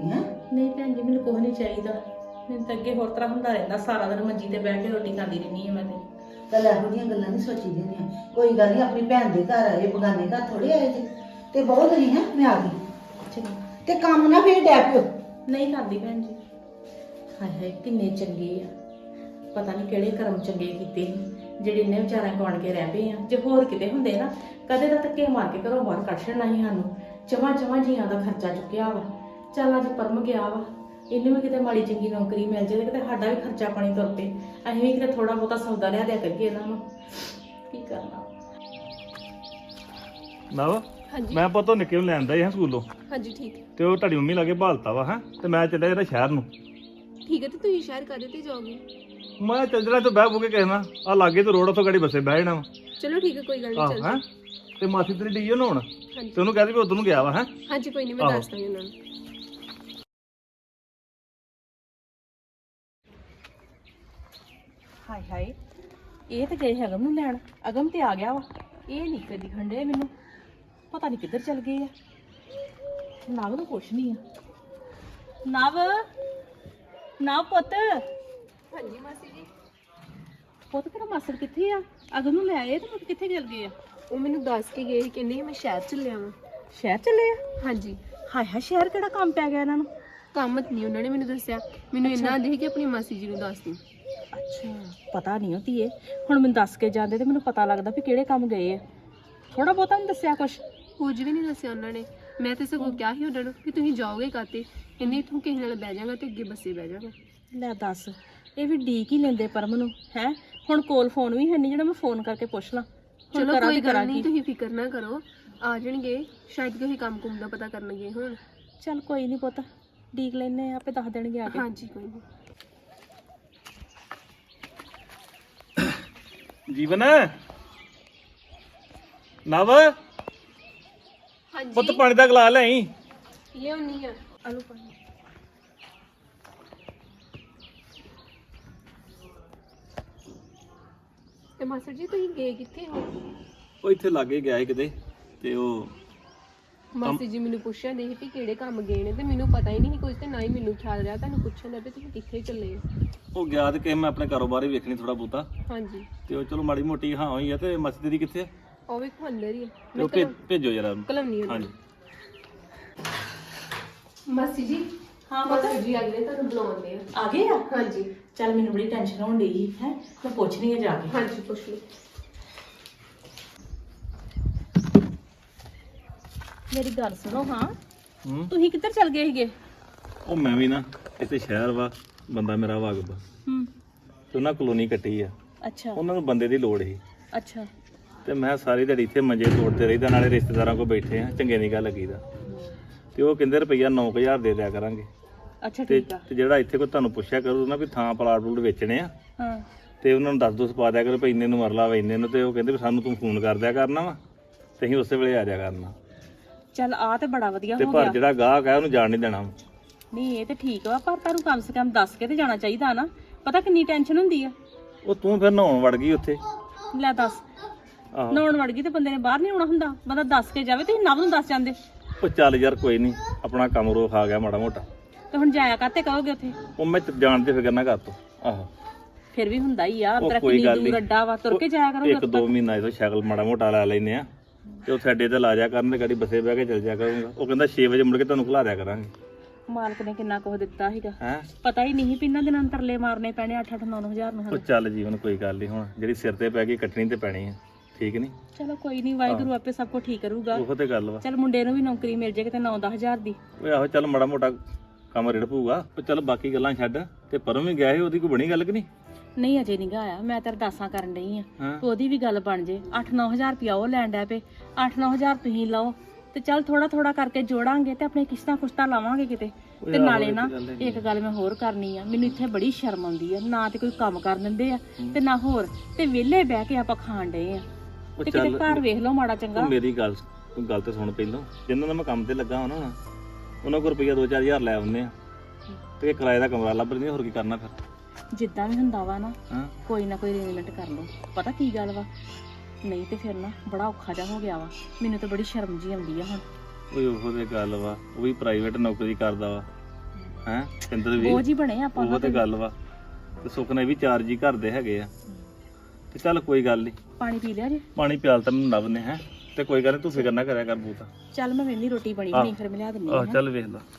D: ਨਹੀਂ ਭੈਣ ਜੀ ਮੈਨੂੰ ਕੁਝ ਨਹੀਂ ਚਾਹੀਦਾ। ਮੈਨੂੰ ਤਾਂ ਅੱਗੇ ਹੋਰ ਤਰ੍ਹਾਂ ਹੁੰਦਾ ਰਹਿੰਦਾ, ਸਾਰਾ ਦਿਨ ਮੰਜੀ ਤੇ ਬਹਿ ਕੇ ਰੋਟੀ ਖਾਂਦੀ ਰਹਿੰਦੀ ਹਾਂ ਮੈਂ ਤੇ।
E: ਚੱਲ ਇਹੋ ਜਿਹੀਆਂ ਗੱਲਾਂ ਨਹੀਂ ਸੋਚੀ ਦੀਆਂ। ਕੋਈ ਗੱਲ ਨਹੀਂ, ਆਪਣੀ ਭੈਣ ਦੇ ਘਰ ਆਏ, ਬਗਾਨੇ ਘਰ ਥੋੜੇ ਆਏ ਜੀ। ਤੇ ਬਹੁਤ ਨਹੀਂ ਹੈ, ਮੈਂ ਆ ਗਈ।
D: ਚਲੋ
E: ਤੇ ਕੰਮ ਨਾ ਫੇਰ ਡੈ ਪਿਓ।
D: ਨਹੀਂ ਕਰਦੀ ਭੈਣ ਜੀ। ਹਾਏ ਹਾਏ ਕਿੰਨੇ ਚੰਗੇ ਆ, ਪਤਾ ਨਹੀਂ ਕਿਹੜੇ ਕਰਮ ਚੰਗੇ ਕੀਤੇ ਸੀ ਜਿਹੜੇ ਇੰਨੇ ਵਿਚਾਰਿਆਂ ਕੋਲ ਆਣ ਕੇ ਰਹਿ ਪਏ ਆ। ਜੇ ਹੋਰ ਕਿਤੇ ਹੁੰਦੇ ਨਾ ਕਦੇ ਤਾਂ ਧੱਕੇ ਮਾਰ ਕੇ ਘਰੋਂ ਬਾਹਰ ਕੱਢ ਛੱਡਣਾ ਸੀ ਸਾਨੂੰ। ਜਮਾਂ ਜਮਾਂ ਜੀਆਂ ਦਾ ਖਰਚਾ ਚੁੱਕਿਆ ਵਾ। ਚੱਲ ਅੱਜ ਪਰਮ ਗਿਆ ਵਾ, ਇਹਨੂੰ ਵੀ ਕਿਤੇ ਮਾੜੀ ਚੰਗੀ ਨੌਕਰੀ ਮਿਲ ਜਾਏ ਤੇ ਕਿਤੇ ਸਾਡਾ ਵੀ ਖਰਚਾ ਪਾਣੀ ਤੁਰ ਪਏ, ਅਸੀਂ ਵੀ ਕਿਤੇ ਥੋੜਾ ਬਹੁਤਾ ਸੌਦਾ ਲਿਆ ਦਿਆ ਕਰੀਏ ਇਹਨਾਂ ਨੂੰ। ਕੀ ਕਰਨਾ।
F: ਨਵ
C: ਹਾਂਜੀ
F: ਮੈਂ ਪਤੋਂ ਨਿੱਕੇ ਨੂੰ ਲੈਂਦਾ ਹੀ ਹਾਂ ਸਕੂਲੋਂ,
C: ਹਾਂਜੀ ਠੀਕ ਹੈ
F: ਤੇ ਉਹ ਤੁਹਾਡੀ ਮੰਮੀ ਲਾਗੇ ਭਾਲਤਾ ਵਾ ਹੈ, ਤੇ ਮੈਂ ਚੱਲਿਆ ਜਿਹੜਾ ਸ਼ਹਿਰ ਨੂੰ।
C: ਠੀਕ ਹੈ। ਤੇ ਤੁਸੀਂ ਸ਼ਹਿਰ ਕਾਹਦੇ ਤੇ ਜਾਓਗੇ?
F: ਮੈਂ ਚੱਲ ਜਣਾ ਤੇ ਬਹਿ ਬੁਕੇ ਕਹਿਣਾ ਆ ਲਾਗੇ ਤੇ ਰੋਡ ਉੱਥੋਂ ਗਾੜੀ ਬੱਸੇ ਬਹਿ ਜਾਣਾ ਵਾ।
C: ਚਲੋ ਠੀਕ ਹੈ, ਕੋਈ ਗੱਲ ਨਹੀਂ,
F: ਆਹ
C: ਚੱਲ
F: ਹੈ ਤੇ ਮਾਸੀ ਤੇਰੀ ਡੀਓ ਨਾ ਹੁਣ,
C: ਹਾਂਜੀ
F: ਤੇ ਉਹਨੂੰ ਕਹਿ ਦੇ ਵੀ ਉਧਰ ਨੂੰ ਗਿਆ ਵਾ ਹੈ।
C: ਹਾਂਜੀ ਕੋਈ ਨਹੀਂ, ਮੈਂ
F: ਆਹੋ।
C: ਦੱਸ ਦਾਂਗੀ ਉਹਨਾਂ ਨੂੰ।
D: ਹਾਏ ਹਾਏ ਇਹ ਤੇ ਗਏ ਅਗਮ ਨੂੰ ਲੈਣ। ਅਗਮ ਤੇ ਆ ਗਿਆ ਵਾ, ਇਹ ਨਹੀਂ ਕਦੀ ਖੰਡੇ ਮੈਨੂੰ ਪਤਾ ਨਹੀਂ ਕਿੱਧਰ ਚਲ ਗਏ ਆ। ਨਵ ਨੂੰ ਕੁਛ ਨਹੀਂ ਆ। ਨਵ ਨਵ ਪੁੱਤ,
C: ਹਾਂਜੀ ਮਾਸੀ ਜੀ।
D: ਪੁੱਤ ਤੇਰਾ ਮਾਸੜ ਕਿੱਥੇ ਆ? ਅਗਮ ਨੂੰ ਲੈ ਆਏ ਤੇ ਪੁੱਤ ਕਿੱਥੇ ਚਲ ਗਏ ਆ?
C: ਉਹ ਮੈਨੂੰ ਦੱਸ ਕੇ ਗਏ ਸੀ, ਕਹਿੰਦੇ ਸੀ ਮੈਂ ਸ਼ਹਿਰ ਚੱਲਿਆ ਵਾਂ।
D: ਸ਼ਹਿਰ ਚੱਲੇ ਆ?
C: ਹਾਂਜੀ।
D: ਹਾਏ ਹਾਏ ਸ਼ਹਿਰ ਕਿਹੜਾ ਕੰਮ ਪੈ ਗਿਆ ਇਹਨਾਂ ਨੂੰ?
C: ਕੰਮ ਨਹੀਂ ਉਹਨਾਂ ਨੇ ਮੈਨੂੰ ਦੱਸਿਆ, ਮੈਨੂੰ ਇੰਨਾ ਆਂਦੇ ਸੀ ਕਿ ਆਪਣੀ ਮਾਸੀ ਜੀ ਨੂੰ ਦੱਸ ਦੀ।
D: ਅੱਛਾ ਪਤਾ ਨਹੀਂ ਹੁੰਦੀ ਏ। ਹੁਣ ਮੈਨੂੰ ਦੱਸ ਕੇ ਜਾਂਦੇ ਤੇ ਮੈਨੂੰ ਪਤਾ ਲੱਗਦਾ ਵੀ ਕਿਹੜੇ ਕੰਮ ਗਏ ਆ। ਥੋੜਾ ਬਹੁਤਾ ਨਹੀਂ ਦੱਸਿਆ ਕੁਛ?
C: ਕੁਝ ਵੀ ਨਹੀਂ ਦੱਸਿਆ ਉਹਨਾਂ ਨੇ। ਮੈਂ ਤੇ ਸਗੋਂ ਕਿਹਾ ਸੀ ਉਹਨਾਂ ਨੂੰ ਕਿ ਤੁਸੀਂ ਜਾਓਗੇ ਕਾਤੇ, ਕਹਿੰਦੇ ਇੱਥੋਂ ਕਿਸੇ ਨਾਲ ਬਹਿ ਜਾਗਾ ਤੇ ਅੱਗੇ ਬੱਸੇ ਬਹਿ ਜਾਗਾ।
D: ਲੈ ਦੱਸ, ਇਹ ਵੀ ਡੀਕ ਹੀ ਲੈਂਦੇ ਪਰਮ ਨੂੰ ਹੈ। ਹੁਣ ਕੋਲ ਫੋਨ ਵੀ ਹੈ ਨਹੀਂ ਜਿਹੜਾ ਮੈਂ ਫੋਨ ਕਰਕੇ ਪੁੱਛ ਲਾਂ। ਹੁਣ
C: ਚਲੋ
D: ਕਰਾਂ
C: ਕੋਈ
D: ਤੇ
C: ਗੱਲ
D: ਕਰਾਂ
C: ਨਹੀਂ,
D: ਕੀ?
C: ਤੁਸੀਂ ਫਿਕਰ ਨਾ ਕਰੋ, ਆ ਜਾਣਗੇ। ਸ਼ਾਇਦ ਕਿਸੇ ਕੰਮ ਕੁੰਮ ਦਾ ਪਤਾ ਕਰਨਗੇ ਹੁਣ।
D: ਚੱਲ ਕੋਈ ਨਹੀਂ ਪੁੱਤ, ਡੀਕ ਲੈਨੇ ਆ, ਆਪੇ ਦੱਸ ਦੇਣਗੇ ਆ ਕੇ।
C: ਹਾਂਜੀ ਕੋਈ ਨਹੀਂ।
F: ਜੀਵਨ ਨਵ
C: ਹਾਂਜੀ
F: ਪੁੱਤ ਪਾਣੀ ਦਾ ਗਲਾਸ ਲੈ ਆਈ।
C: ਲਿਆਉਣੀ ਆ, ਆਲੂ ਪਾਣੀ। ਤੇ ਮਾਸਟਰ ਜੀ ਤੁਸੀਂ ਗਏ ਕਿੱਥੇ ਹੋ?
F: ਉਹ ਇੱਥੇ ਲਾਗੇ ਗਿਆ ਸੀ ਕਿਤੇ, ਤੇ ਉਹ
C: ਮਾਸੀ ਜੀ ਮੈਨੂੰ ਪੁੱਛਣ ਦੇ ਸੀ ਕਿ ਕਿਹੜੇ ਕੰਮ ਗਏ ਨੇ, ਤੇ ਮੈਨੂੰ ਪਤਾ ਹੀ ਨਹੀਂ ਕੁਝ, ਤੇ ਨਾ ਹੀ ਮੈਨੂੰ ਖਿਆਲ ਰਿਹਾ ਤੁਹਾਨੂੰ ਪੁੱਛਣ ਦਾ ਵੀ ਤੁਸੀਂ ਕਿੱਥੇ ਚੱਲੇ ਹੋ।
F: ਉਹ ਗਿਆ ਤੇ ਕਿ ਮੈਂ ਆਪਣੇ ਕਾਰੋਬਾਰ ਹੀ ਵੇਖਣੀ ਥੋੜਾ ਬਹੁਤਾ,
C: ਹਾਂਜੀ।
F: ਤੇ ਉਹ ਚਲੋ ਮਾੜੀ ਮੋਟੀ ਹਾਂ ਹੋਈ ਆ। ਤੇ ਮਾਸੀ ਤੇਰੀ ਕਿੱਥੇ ਆ?
C: ਉਹ ਵੀ ਅੰਦਰ ਹੀ ਆ।
F: ਤੇ ਉਹ ਭੇ- ਭੇਜੋ ਜਰਾ ਉਹਨੂੰ।
C: ਕਲਮਨੀ
F: ਹਾਂਜੀ।
C: ਮਾਸੀ ਜੀ।
D: ਹਾਂ
C: ਮਾਸੀ ਜੀ ਅਗਲੇ ਤੁਹਾਨੂੰ ਬੁਲਾਉਂਦੇ ਆ।
D: ਆ ਗਏ ਆ?
C: ਹਾਂਜੀ
D: ਚੱਲ ਮੈਨੂੰ ਬੜੀ ਟੈਨਸ਼ਨ ਹੋਣ ਡਈ ਹੈ, ਮੈਂ ਪੁੱਛਣੀ ਆ ਜਾ ਕੇ।
C: ਹਾਂਜੀ ਪੁੱਛ ਲਓ।
D: ਮੇਰੀ ਗੱਲ ਸੁਣੋ। ਹਾਂ
F: ਹੂੰ।
D: ਤੁਸੀਂ ਕਿੱਧਰ ਚਲ ਗਏ ਸੀਗੇ?
F: ਉਹ ਮੈਂ ਵੀ ਨਾ ਇੱਥੇ ਸ਼ਹਿਰ ਵਾ, ਬੰਦਾ ਮੇਰਾ ਵਾਗਬ,
D: ਹੂੰ।
F: ਤੇ ਉਹਨਾਂ ਕਲੋਨੀ ਕੱਟੀ ਆ।
D: ਅੱਛਾ
F: ਉਹਨਾਂ ਨੂੰ ਬੰਦੇ ਦੀ ਲੋੜ ਸੀ,
D: ਅੱਛਾ।
F: ਤੇ ਮੈਂ ਸਾਰੀ ਦਿਹਾੜੀ ਇੱਥੇ ਮੰਜੇ ਤੋੜਦੇ ਰਹੀਦਾ, ਨਾਲੇ ਰਿਸ਼ਤੇਦਾਰਾਂ ਕੋਲ ਬੈਠੇ ਆ, ਚੰਗੇ ਨਹੀਂ ਗੱਲ ਲੱਗੀਦਾ। ਤੇ ਉਹ ਕਹਿੰਦੇ ਰੁਪਈਆ ਨੌ ਕੁ ਹਜ਼ਾਰ ਦੇ ਦਿਆ ਕਰਾਂਗੇ।
D: ਅੱਛਾ
F: ਤੇ
D: ਠੀਕ ਆ।
F: ਤੇ ਜਿਹੜਾ ਇੱਥੇ ਕੋਈ ਤੁਹਾਨੂੰ ਪੁੱਛਿਆ ਕਰੂ ਨਾ ਵੀ ਥਾਂ ਪਲਾਟ ਪਲੂਟ ਵੇਚਣੇ ਆ,
D: ਹਾਂ
F: ਤੇ ਉਹਨਾਂ ਨੂੰ ਦੱਸ ਦੋ ਪਾ ਦਿਆ ਕਰੋ ਵੀ ਇੰਨੇ ਨੂੰ ਮਰਲਾ ਵਾ ਇੰਨੇ ਨੂੰ। ਤੇ ਉਹ ਕਹਿੰਦੇ ਵੀ ਸਾਨੂੰ ਤੂੰ ਫੋਨ ਕਰ ਦਿਆ ਕਰਨਾ ਵਾ, ਤੇ ਅਸੀਂ ਉਸੇ ਵੇਲੇ ਆ ਜਾਇਆ ਕਰਨਾ।
D: ਚੱਲ ਆ ਤੇ ਬੜਾ ਵਧੀਆ
F: ਤੇ
D: ਹੋ
F: ਪਰ
D: ਗਿਆ।
F: ਜਿਹੜਾ ਗਾਹਕ ਆ ਉਹਨੂੰ ਜਾਣ ਨਹੀਂ ਦੇਣਾ।
D: ਨਹੀਂ ਇਹ ਤੇ ਠੀਕ ਵਾ, ਪਰ ਤੁਹਾਨੂੰ ਕਮ ਸੇ ਕਮ ਦੱਸ ਕੇ ਤੇ ਜਾਣਾ ਚਾਹੀਦਾ ਨਾ। ਪਤਾ ਕਿੰਨੀ ਟੈਨਸ਼ਨ ਹੁੰਦੀ ਆ।
F: ਉਹ ਤੂੰ ਫਿਰ ਨਹਾਉਣ ਵੜ ਗਈ ਉੱਥੇ।
D: ਲੈ ਦੱਸ,
F: ਆਹੋ।
D: ਨਹਾਉਣ ਵੜ ਗਈ ਤੇ ਬੰਦੇ ਨੇ ਬਾਹਰ ਨਹੀਂ ਆਉਣਾ ਹੁੰਦਾ। ਬੰਦਾ ਦੱਸ ਕੇ ਜਾਵੇ। ਤੁਸੀਂ ਨਵ ਨੂੰ ਦੱਸ ਜਾਂਦੇ।
F: ਉਹ ਚੱਲ ਯਾਰ ਕੋਈ ਨਹੀਂ, ਆਪਣਾ ਕੰਮ ਰੋਕ ਆ ਗਿਆ ਮਾੜਾ ਮੋਟਾ।
D: ਤੇ ਹੁਣ ਜਾਇਆ ਕਾਤੇ ਕਰੋਗੇ ਉੱਥੇ?
F: ਉਹ ਮੈਂ ਜਾਣ ਤੇ ਫਿਕਰ ਨਾ ਕਰ ਤੂੰ। ਆਹੋ
D: ਫਿਰ ਵੀ ਹੁੰਦਾ ਹੀ ਆ,
F: ਉਹ
D: ਤੇਰਾ
F: ਕੋਈ
D: ਕਿੰਨੀ
F: ਗੱਲ
D: ਦੂਰ
F: ਨਹੀਂ।
D: ਅੱਡਾ ਵਾ, ਤੁਰ ਕੇ ਜਾਇਆ ਕਰੋਗੇ
F: ਇੱਕ ਦੋ ਮਹੀਨਾ ਇਹਦਾ ਸ਼ਕਲ ਮਾੜਾ ਮੋਟਾ ਲਾ ਲੈਨੇ ਆ, ਤੇ ਉਹ ਸਾਡੇ ਤੇ ਲਾ ਜਾ ਕਰਨ ਤੇ ਗਾੜੀ ਬੱਸੇ ਬਹਿ ਕੇ ਚੱਲ ਜਾ ਕਰੂੰਗਾ। ਉਹ ਕਹਿੰਦਾ ਛੇ ਵਜੇ ਮੁੜ ਕੇ ਤੁਹਾਨੂੰ ਖਿਲਾ ਦਿਆ ਕਰਾਂਗੇ।
D: ਮਾਲਕ ਨੇ ਕਿੰਨਾ ਕੁਝ ਦਿੱਤਾ ਸੀਗਾ,
F: ਹੈ
D: ਪਤਾ ਹੀ ਨਹੀਂ ਵੀ ਇਹਨਾਂ ਦਿਨਾਂ ਨੂੰ ਤਰਲੇ ਮਾਰਨੇ ਪੈਣੇ ਅੱਠ ਅੱਠ ਨੌ ਨੌ ਹਜ਼ਾਰ ਨੂੰ
F: ਉਹ
D: ਹੁਣ।
F: ਚੱਲ ਜੀਵਨ ਕੋਈ ਗੱਲ ਨਹੀਂ, ਹੁਣ ਜਿਹੜੀ ਸਿਰ ਤੇ ਪੈ ਗਈ ਕੱਟਣੀ ਤੇ ਪੈਣੀ ਆ, ਠੀਕ ਨਹੀਂ?
D: ਚਲੋ ਕੋਈ ਨਹੀਂ, ਵਾਹਿਗੁਰੂ ਆਪੇ ਸਭ ਕੁਝ ਠੀਕ ਕਰੂਗਾ।
F: ਉਹੋ ਤੇ ਗੱਲ ਵਾ।
D: ਚਲ ਮੁੰਡੇ ਨੂੰ ਵੀ ਨੌਕਰੀ ਮਿਲ ਜੇ ਕਿਤੇ ਨੌ ਦਸ ਹਜ਼ਾਰ ਦੀ।
F: ਉਹ ਆਹੋ ਚੱਲ ਮਾੜਾ ਮੋਟਾ ਕੰਮ ਰਿੜ ਪਊਗਾ। ਉਹ ਚੱਲ ਬਾਕੀ ਗੱਲਾਂ ਛੱਡ, ਤੇ ਪਰੋਂ ਵੀ ਗਿਆ ਸੀ, ਉਹਦੀ ਕੋਈ ਬਣੀ ਗੱਲ ਕਿ ਨਹੀਂ?
D: ਨਹੀਂ ਅਜੇ ਨਹੀਂ ਆਇਆ, ਮੈਂ ਤਾਂ ਅਰਦਾਸਾਂ ਕਰਨ ਡਈ ਆ
F: ਹਾਂ।
D: ਉਹਦੀ ਵੀ ਗੱਲ ਬਣ ਜੇ। ਅੱਠ ਨੌ ਹਜ਼ਾਰ ਰੁਪਇਆ ਉਹ ਲੈਣ ਡੈ ਪਏ, ਅੱਠ ਨੌ ਹਜ਼ਾਰ ਤੁਸੀਂ ਲਓ, ਤੇ ਚੱਲ ਥੋੜਾ ਥੋੜਾ ਕਰਕੇ ਜੋੜਾਂਗੇ ਤੇ ਆਪਣੇ ਕਿਸ਼ਤਾਂ ਕੁਸ਼ਤਾਂ ਲਾਵਾਂਗੇ ਕਿਤੇ। ਤੇ ਨਾਲੇ ਨਾ ਇੱਕ ਗੱਲ ਮੈਂ ਹੋਰ ਕਰਨੀ ਆ, ਮੈਨੂੰ ਇੱਥੇ ਬੜੀ ਸ਼ਰਮ ਆਉਂਦੀ ਆ, ਨਾ ਤੇ ਕੋਈ ਕੰਮ ਕਰ ਦਿੰਦੇ ਆ ਤੇ ਨਾ ਹੋਰ, ਤੇ ਵਿਹਲੇ ਬਹਿ ਕੇ ਆਪਾਂ ਖਾਣ ਡਏ ਆ।
F: ਉਹ
D: ਤੇ ਕਿਤੇ ਘਰ ਵੇਖ ਲਓ ਮਾੜਾ ਚੰਗਾ।
F: ਤੂੰ ਮੇਰੀ ਗੱਲ ਤੂੰ ਗੱਲ ਤੇ ਸੁਣ ਪਹਿਲੋਂ। ਜਿੰਨਾਂ ਦਾ ਮੈਂ ਕੰਮ ਤੇ ਲੱਗਾ ਹਾਂ ਨਾ, ਉਹਨਾਂ ਕੋਲ ਰੁਪਈਆ ਦੋ ਚਾਰ ਹਜ਼ਾਰ ਲੈ ਆਉਂਦੇ ਆ, ਤੇ ਕਿਰਾਏ ਦਾ ਕਮਰਾ ਲੱਭ ਲੈਂਦੇ, ਹੋਰ ਕੀ ਕਰਨਾ ਫਿਰ?
D: ਜਿੱਦਾਂ ਵੀ ਹੁੰਦਾ ਵਾ ਨਾ,
F: ਹਾਂ
D: ਕੋਈ ਨਾ ਕੋਈ ਅਰੇਂਜਮੈਂਟ ਕਰ ਲਓ। ਪਤਾ ਕੀ ਗੱਲ ਵਾ, ਨਹੀਂ ਤੇ ਫਿਰ ਨਾ ਬੜਾ ਔਖਾ ਜਿਹਾ ਹੋ ਗਿਆ ਵਾ। ਮੈਨੂੰ ਤਾਂ ਬੜੀ ਸ਼ਰਮ ਜੀ ਆਉਂਦੀ ਆ ਹੁਣ।
F: ਉਹ ਉਹੋ ਤੇ ਗੱਲ ਵਾ, ਉਹ ਵੀ ਪ੍ਰਾਈਵੇਟ ਨੌਕਰੀ ਕਰਦਾ ਵਾ, ਹੈ ਪਿੰਦਰ ਵੀ
D: ਬੋਝ ਹੀ ਬਣੇ ਆਪਾਂ
F: ਉਹ ਤੇ ਗੱਲ ਵਾ ਤੇ ਸੁੱਖ ਨੇ ਵੀ ਚਾਰ ਜੀ ਘਰ ਦੇ ਹੈਗੇ ਆ ਤੇ ਚੱਲ ਕੋਈ ਗੱਲ ਨਹੀਂ
D: ਪਾਣੀ ਪੀ ਲਿਆ ਜੀ
F: ਪਾਣੀ ਪਿਆਲ ਤਾਂ ਮੈਨੂੰ ਨਵ ਨੇ ਹੈ ਤੇ ਕੋਈ ਗੱਲ ਨੀ ਤੂੰ ਫਿਕਰ ਨਾ ਕਰਿਆ ਕਰ ਬੂਤਾ
D: ਚੱਲ ਮੈਂ ਵੇਨੀ ਰੋਟੀ ਬਣੀ
F: ਆਹ।
D: ਨਹੀਂ ਫਿਰ ਮੈਂ ਲਿਆ ਦਿੰਦੀ
F: ਆਹ
D: ਹਾਂ
F: ਚੱਲ ਵੇਖ ਲਾ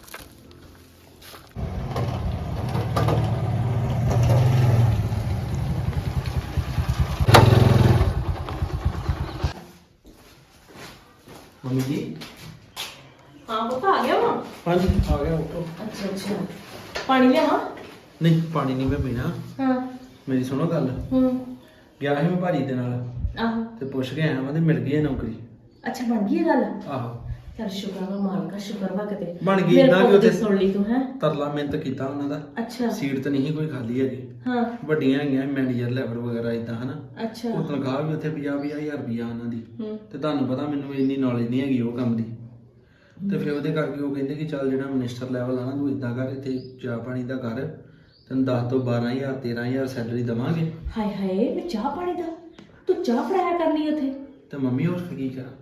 A: ਮੰਮੀ ਜੀ
D: ਹਾਂ ਪੁੱਤ ਆ ਗਿਆ ਵਾ
A: ਹਾਂਜੀ ਆ ਗਿਆ ਉੱਠੋ।
D: ਅੱਛਾ ਅੱਛਾ ਪਾਣੀ ਲਿਆਵਾਂ
A: ਨਹੀਂ ਪਾਣੀ ਨਹੀਂ ਮੈਂ ਪੀਣਾ
D: ਹਾਂ
A: ਮੇਰੀ ਸੁਣੋ ਗੱਲ
D: ਹੂੰ
A: ਗਿਆ ਸੀ ਮੈਂ ਭਾਜੀ ਦੇ ਨਾਲ
D: ਆਹੋ
A: ਤੇ ਪੁੱਛ ਕੇ ਆਇਆ ਮੈਂ ਤੇ ਮਿਲ ਗਈ ਹੈ ਨੌਕਰੀ
D: ਅੱਛਾ ਬਣ ਗਈ ਇਹ ਗੱਲ
A: ਆਹੋ
D: ਚੱਲ ਸ਼ੁਕਰ ਵਾ ਮਾਲਕਾ ਸ਼ੁਕਰ ਵਾ ਕਿਤੇ
A: ਬਣ ਗਈ
D: ਮੇਰੇ
A: ਨਾ ਕਿ
D: ਪੁੱਤ ਦੀ
A: ਉੱਥੇ
D: ਸੁਣ ਲਈ ਤੂੰ ਹੈ
A: ਤਰਲਾ ਮਿਹਨਤ ਕੀਤਾ ਉਹਨਾਂ ਦਾ
D: ਅੱਛਾ
A: ਸੀਟ ਤਾਂ ਨਹੀਂ ਕੋਈ ਖਾਲੀ ਹੈਗੀ
D: ਹਾਂ
A: ਵੱਡੀਆਂ ਹੈਗੀਆਂ ਮੈਨੇਜਰ ਲੈਵਲ ਵਗੈਰਾ ਇਦਾਂ ਹਨਾ
D: ਅੱਛਾ
A: ਉਹ ਤਨਖਾਹ ਵੀ ਉੱਥੇ ਪੰਜਾਹ ਪੰਜਾਹ ਹਜ਼ਾਰ ਰੁਪਈਆ ਉਹਨਾਂ ਦੀ
D: ਹੂੰ
A: ਤੇ ਤੁਹਾਨੂੰ ਪਤਾ ਮੈਨੂੰ ਇੰਨੀ ਨੌਲੇਜ ਨਹੀਂ ਹੈਗੀ ਉਹ ਕੰਮ ਦੀ ਤੇ ਫਿਰ ਉਹਦੇ ਕਰਕੇ ਉਹ ਕਹਿੰਦੇ ਕਿ ਚੱਲ ਜਿਹੜਾ ਮਿਨਿਸਟਰ ਲੈਵਲ ਆ ਨਾ ਤੂੰ ਇਦਾਂ ਕਰ ਇੱਥੇ ਚਾਹ ਪਾਣੀ ਦਾ ਕਰ ਤੈਨੂੰ ਦਸ ਤੋਂ ਬਾਰਾਂ ਹਜ਼ਾਰ ਤੇਰਾਂ ਹਜ਼ਾਰ ਸੈਲਰੀ ਦਵਾਂਗੇ
D: ਹਾਏ ਹਾਏ ਮੈਂ ਚਾਹ ਪਾਣੀ ਦਾ ਤੂੰ ਚਾਹ ਫੜਾਇਆ ਕਰਨੀ ਉੱਥੇ
A: ਤੇ ਮੰਮੀ ਹੋਰ ਫਿਰ ਕੀ ਕਰਾਂ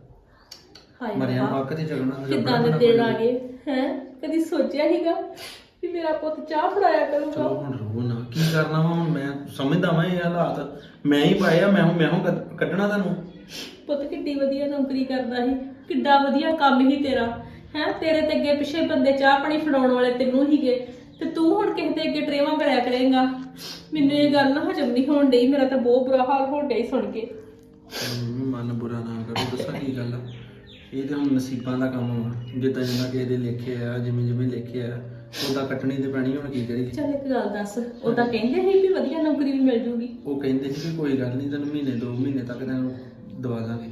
D: ਹਾਏ
A: ਮਰਿਆ
D: ਰੱਬਾ,
A: ਮੱਕ ਤੇ ਝਗੜਨਾ
D: ਕਿੱਦਾਂ ਦੇ ਦਿਨ ਆ ਗਏ ਹੈ ਕਦੀ ਸੋਚਿਆ ਹੀਗਾ ਵੀ ਮੇਰਾ ਪੁੱਤ ਚਾਹ ਫੜਾਇਆ ਕਰੂਗਾ
A: ਚਲੋ ਹੁਣ ਰੋ ਨਾ ਕੀ ਕਰਨਾ ਵਾ ਹੁਣ ਮੈਂ ਸਮਝਦਾ ਵਾਂ ਇਹ ਹਾਲਾਤ ਮੈਂ ਹੀ ਪਾਏ ਆ ਮੈਂ ਹੁਣ ਮੈਂ ਹੁਣ ਕੱਢ- ਕੱਢਣਾ ਤੁਹਾਨੂੰ
D: ਪੁੱਤ ਕਿੱਡੀ ਵਧੀਆ ਨੌਕਰੀ ਕਰਦਾ ਸੀ ਕਿੱਡਾ ਵਧੀਆ ਕੰਮ ਹੀ ਤੇਰਾ ਹੈ ਤੇਰੇ ਤੇ ਅੱਗੇ ਪਿੱਛੇ ਬੰਦੇ ਚਾਹ ਪਾਣੀ ਫੜਾਉਣ ਵਾਲੇ ਤੈਨੂੰ ਹੀਗੇ ਤੇ ਤੂੰ ਹੁਣ ਕਿਸੇ ਦੇ ਅੱਗੇ ਟਰੇਵਾਂ ਕਰਿਆ ਕਰੇਂਗਾ ਮੈਨੂੰ ਇਹ ਗੱਲ ਨਾ ਹਜਮ ਨਹੀਂ ਹੋਣ ਡਈ ਮੇਰਾ ਤਾਂ ਬਹੁਤ ਬੁਰਾ ਹਾਲ ਹੋਣ ਡਈ ਸੁਣ ਕੇ
A: ਮੰਮੀ ਮਨ ਬੁਰਾ ਨਾ ਕਰੋ ਦੱਸਾਂ ਕੀ ਗੱਲ ਆ ਇਹ ਤੇ ਹੁਣ ਨਸੀਬਾਂ ਦਾ ਕੰਮ ਵਾ ਜਿੱਦਾਂ ਜਿੱਦਾਂ ਕਿਸੇ ਦੇ ਲਿਖੇ ਆ ਜਿਵੇਂ ਜਿਵੇਂ ਲਿਖੇ ਆ ਉਹਦਾ ਕੱਟਣੀ ਤੇ ਪੈਣੀ ਹੁਣ ਕੀ ਕਰੀਏ
D: ਚੱਲ ਇੱਕ ਗੱਲ ਦੱਸ ਉਹਦਾ ਕਹਿੰਦੇ ਸੀ ਵੀ ਵਧੀਆ ਨੌਕਰੀ ਵੀ ਮਿਲ ਜੂਗੀ
A: ਉਹ ਕਹਿੰਦੇ ਸੀ ਕਿ ਕੋਈ ਗੱਲ ਨਹੀਂ ਤੈਨੂੰ ਮਹੀਨੇ ਦੋ ਮਹੀਨੇ ਤੱਕ ਤੈਨੂੰ ਦਵਾ ਦਾਂਗੇ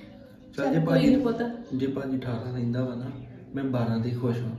A: ਚੱਲ ਜੇ
D: ਚੱਲ ਕੋਈ
A: ਭਾਜੀ
D: ਨਹੀਂ ਪੁੱਤ
A: ਜੇ ਭਾਜੀ ਅਠਾਰਾਂ ਰਹਿੰਦਾ ਵਾ ਨਾ ਮੈਂ ਬਾਰਾਂ ਦੇ ਖੁਸ਼ ਹਾਂ